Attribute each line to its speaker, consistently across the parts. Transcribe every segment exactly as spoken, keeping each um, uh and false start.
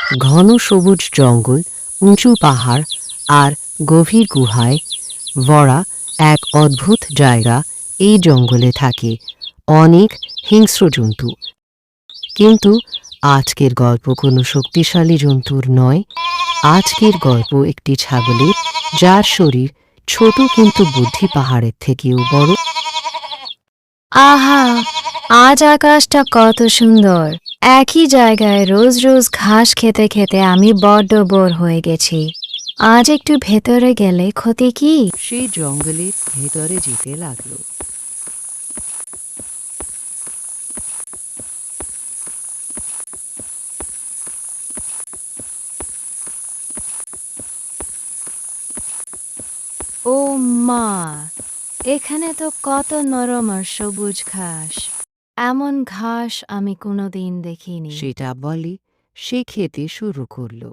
Speaker 1: ঘন সবুজ জঙ্গল, উঁচু পাহাড় আর গভীর গুহায় ভরা এক অদ্ভুত জায়গা। এই জঙ্গলে থাকে অনেক হিংস্র জন্তু, কিন্তু আজকের গল্প কোনো শক্তিশালী জন্তুর নয়। আজকের গল্প একটি ছাগলের, যার শরীর ছোট কিন্তু বুদ্ধি পাহাড়ের থেকেও বড়।
Speaker 2: আহা, আজ আকাশটা কত সুন্দর! একই জায়গায় রোজ রোজ ঘাস খেতে খেতে আমি বড্ড বোর হয়ে গেছি। আজ একটু ভেতরে গেলে ক্ষতি কি?
Speaker 1: সেই জঙ্গলের ভেতরে যেতে লাগলো।
Speaker 2: ও মা, এখানে তো কত নরম আর সবুজ ঘাস। এমন ঘাস আমি কোনোদিন দেখিনি।
Speaker 1: সেটা বলে সে খেতে শুরু করলো।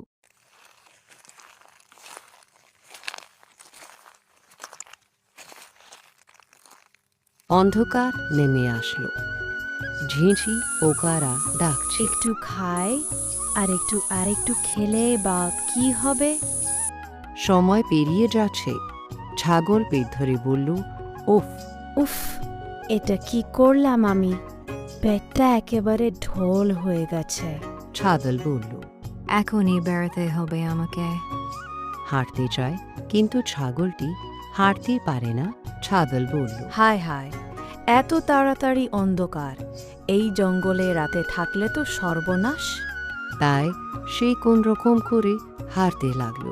Speaker 1: অন্ধকার নেমে আসলো। ঝিঁঝি পোকারা ডাকছে।
Speaker 2: একটু খাই আর একটু আর একটু খেলে বা কি হবে?
Speaker 1: সময় পেরিয়ে যাচ্ছে। ছাগল পেট ধরে বলল, ওফ
Speaker 2: উফ, এটা কি করলাম আমি? পেটটা একেবারে ঢোল হয়ে গেছে।
Speaker 1: ছাগল বলল।
Speaker 2: এখনই বেড়াতে হবে আমাকে।
Speaker 1: হাঁটতে চায়, কিন্তু ছাগলটি হাঁটতে পারে না। ছাগল বলল,
Speaker 3: হায় হায়, এত তাড়াতাড়ি অন্ধকার! এই জঙ্গলে রাতে থাকলে তো সর্বনাশ।
Speaker 1: তাই সে কোন রকম করে হাঁটতে লাগলো।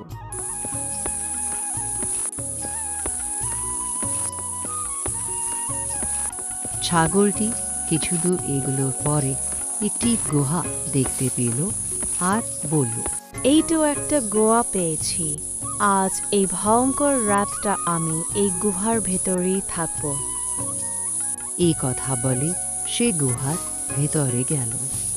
Speaker 1: ছাগলটি কিছু দূর এগুলোর পরে একটি গুহা দেখতে পেল আর বলল,
Speaker 3: এই তো একটা গোয়া পেয়েছি। আজ এই ভয়ঙ্কর রাতটা আমি এই গুহার ভেতরেই থাকবো।
Speaker 1: এই কথা বলে সে গুহার ভেতরে গেল।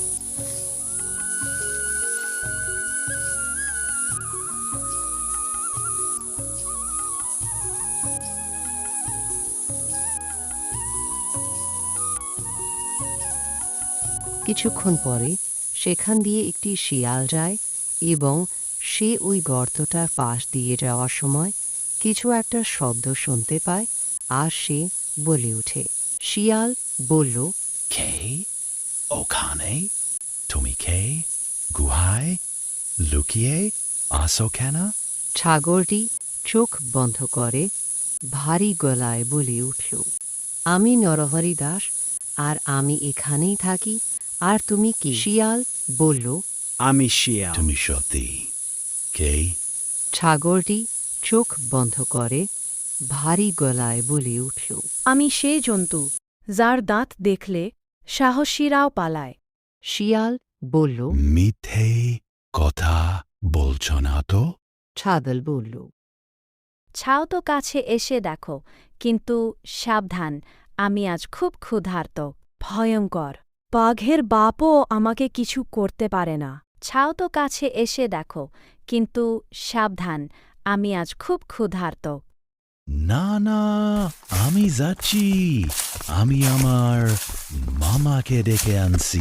Speaker 1: কিছুক্ষণ পরে সেখান দিয়ে একটি শিয়াল যায় এবং সে ওই গর্তটার পাশ দিয়ে যাওয়ার সময় কিছু একটা শব্দ শুনতে পায় আর সে বলে ওঠে। শিয়াল বলল,
Speaker 4: কে ওখানে? তুমি কে? গুহায় লুকিয়ে আসো কেন?
Speaker 1: ছাগলটি চোখ বন্ধ করে ভারী গলায় বলে উঠল, আমি নরহরি দাস, আর আমি এখানেই থাকি। আর তুমি কি? শিয়াল বলল,
Speaker 5: আমি শিয়াল।
Speaker 4: তুমি সত্যি কে?
Speaker 1: ছাগলটি চোখ বন্ধ করে ভারী গলায় বলে উঠল,
Speaker 3: আমি সেই জন্তু যার দাঁত দেখলে সাহসীরাও পালায়।
Speaker 1: শিয়াল বলল।
Speaker 4: মিথ্যে কথা বলছো না তো?
Speaker 1: ছাগল বলল,
Speaker 2: ছাও তো কাছে এসে দেখো, কিন্তু সাবধান, আমি আজ খুব ক্ষুধার্ত।
Speaker 3: ভয়ঙ্কর! বাঘের বাপও আমাকে কিছু করতে পারে না।
Speaker 2: ছাও তো কাছে এসে দেখো, কিন্তু সাবধান, আমি আজ খুব ক্ষুধার্ত।
Speaker 4: না না, আমি যাচ্ছি। আমি আমার মামাকে ডেকে আনছি।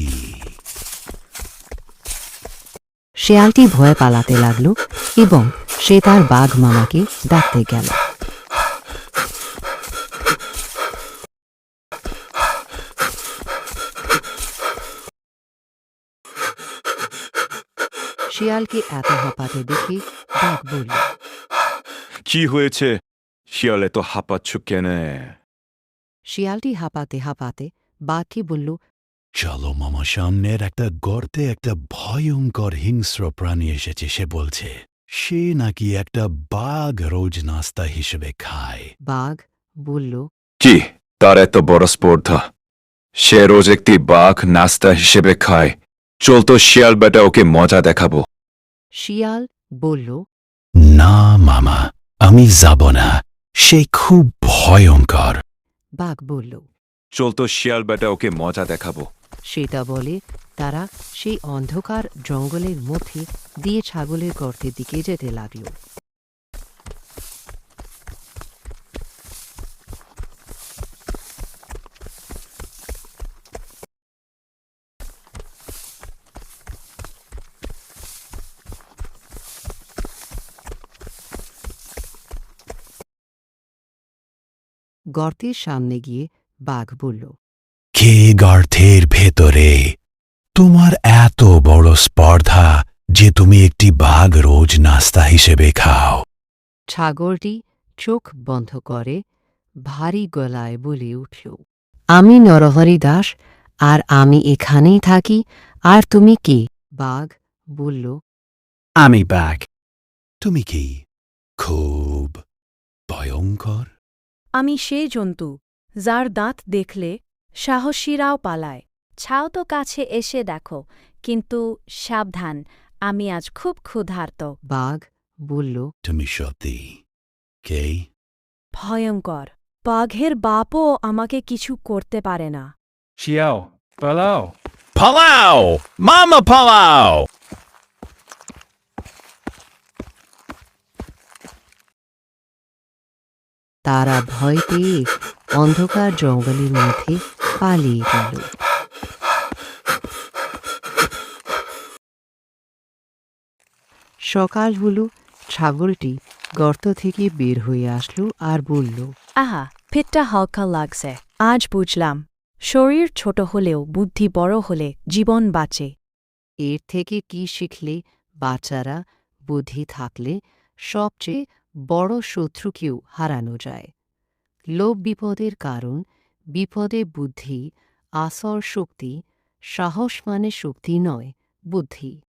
Speaker 1: শিয়ালটি ভয়ে পালাতে লাগলো এবং সে তার বাঘ মামাকে ডাকতে গেল। শিয়ালকে এত হাঁপাতে দেখে বাঘ বলল,
Speaker 6: কি হয়েছে? শিয়ালে তো হাঁপাচ্ছ কেনে?
Speaker 1: শিয়ালটি হাঁপাতে হাঁপাতে বাঘকে বলল,
Speaker 4: চলো মামা, সামনের একটা গর্তে একটা ভয়ঙ্কর হিংস্র প্রাণী এসেছে। সে বলছে সে নাকি একটা বাঘ রোজ নাস্তা হিসেবে খায়।
Speaker 1: বাঘ বলল,
Speaker 6: কি তার এত বড় স্পর্ধা? সে রোজ একটি বাঘ নাস্তা হিসেবে খায়। চল তো শিয়াল বেটা, ওকে মজা দেখাবো।
Speaker 1: শিয়াল বলল,
Speaker 4: না মামা, আমি যাব না। সে খুব ভয়ঙ্কর।
Speaker 1: বাঘ বলল।
Speaker 6: চল তো শিয়াল বেটা, ওকে মজা দেখাবো।
Speaker 1: সেটা বলে তারা সেই অন্ধকার জঙ্গলের মধ্যে দিয়ে ছাগলের গর্তের দিকে যেতে লাগল। গর্তের সামনে গিয়ে বাঘ বলল,
Speaker 4: কে গর্তের ভেতরে? তোমার এত বড় স্পর্ধা যে তুমি একটি বাঘ রোজ নাস্তা হিসেবে খাও।
Speaker 1: ছাগলটি চোখ বন্ধ করে ভারী গলায় বলে উঠল, আমি নরহরি দাস, আর আমি এখানেই থাকি। আর তুমি কে? বাঘ বলল,
Speaker 4: আমি বাঘ। তুমি কি খুব ভয়ঙ্কর?
Speaker 3: আমি সেই জন্তু যার দাঁত দেখলে সাহসীরাও পালায়। ছাও তো কাছে এসে দেখো, কিন্তু সাবধান, আমি আজ খুব ক্ষুধার্ত।
Speaker 1: বাঘ বলল,
Speaker 4: তুমি সত্যি কে?
Speaker 3: ভয়ঙ্কর। বাঘের বাপও আমাকে কিছু করতে পারে না।
Speaker 5: শিয়াও, পালাও।
Speaker 4: পালাও মামা, পালাও!
Speaker 1: তারা ভয় পেয়ে অন্ধকার জঙ্গলের মধ্যে পালিয়ে গেল। সকাল হলো, ছাগলটি গর্ত থেকে বের হয়ে আসলো আর বলল,
Speaker 3: আহা, পেটটা হালকা লাগছে। আজ বুঝলাম, শরীর ছোট হলেও বুদ্ধি বড় হলে জীবন বাঁচে।
Speaker 1: এর থেকে কি শিখলে? বাচ্চারা, বুদ্ধি থাকলে সবচেয়ে বড় শত্রুকেও হারানো যায়। লোভ বিপদের কারণ, বিপদে বুদ্ধি, আসর শক্তি, সাহস মানে শক্তি নয়, বুদ্ধি।